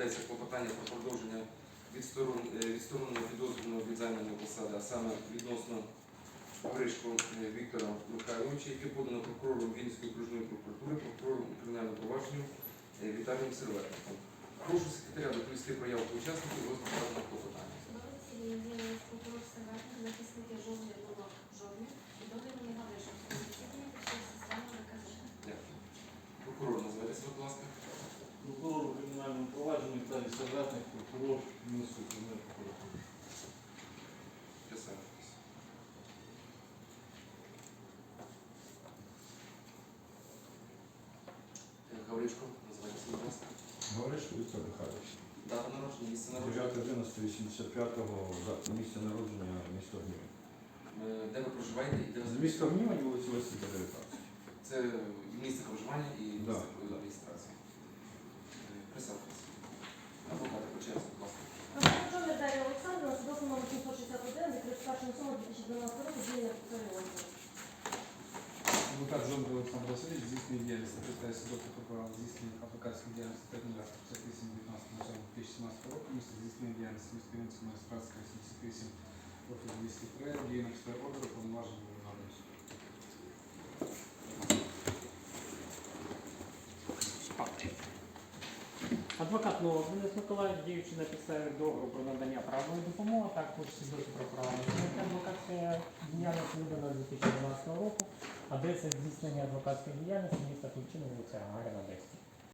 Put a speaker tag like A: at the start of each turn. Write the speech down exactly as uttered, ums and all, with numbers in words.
A: розглядається клопотання про продовження відсторон- е, відсторонення підозрюваного від займаної посади, а саме відносно Гавришко е, Віктора Михайловича, яке подано прокурором Вінницької окружної прокуратури, прокурором у кримінальному провадженню е, Віталієм Серветником. Прошу секретаря доповісти про явку учасників розгляду клопотання.
B: Судове засідання з'явилась прокурор Серветник, захисники жовтня було жовтня, підозрюваний Гавришин. Судове засідання прийшов систему ВКЗ.
A: Дякую. Прокурор, називайтеся, будь ласка.
C: Прокурор у кримінальному провадженні Віталій Серветник, прокурор Вінницької окружної прокуратури.
A: Присаджуйтесь. Е, Гавришко, називайтеся, будь ласка.
D: Гавришко Віктор Михайлович.
A: Дата народження, місце народження.
D: дев'яте одинадцяте вісімдесят п'ятого, місце народження, місто Гнівень.
A: Е, Де ви проживаєте і де ви
D: З міста Гнівень, вулиця Лисенка, дев'ятнадцять.
A: Це місце проживання і
D: Да,
A: місце
D: да.
A: реєстрації. Е, Присаджуйтесь. Адвокати, по черзі, будь ласка.
B: Прокурор Дар'я Олександрівна, свідоцтво номер сімсот шістдесят один, від тридцять першого сьомого дві тисячі дванадцятого року, діяння прокурора.
E: Адвокат Жондар Олександр Васильович здійснює діяльність на підставі свідоцтва про право здійснення адвокатської діяльності терміна п'ятдесят вісім дев'ятнадцятого дві тисячі сімнадцятого року, місце здійснення діяльності міста Вінницького магістратська сімдесят вісім профіль двісті три, діє на підставі ордеру повноваження Верховного суду.
F: Адвокат Новак Денис Миколаївич, діючи на підставі договору про надання правової допомоги, також свідоцтво про право на здійснення адвокатської діяльності видано дві тисячі дванадцятого року, адреса здійснення адвокатської діяльності міста Тульчина, вулиця Гагаріна, десять.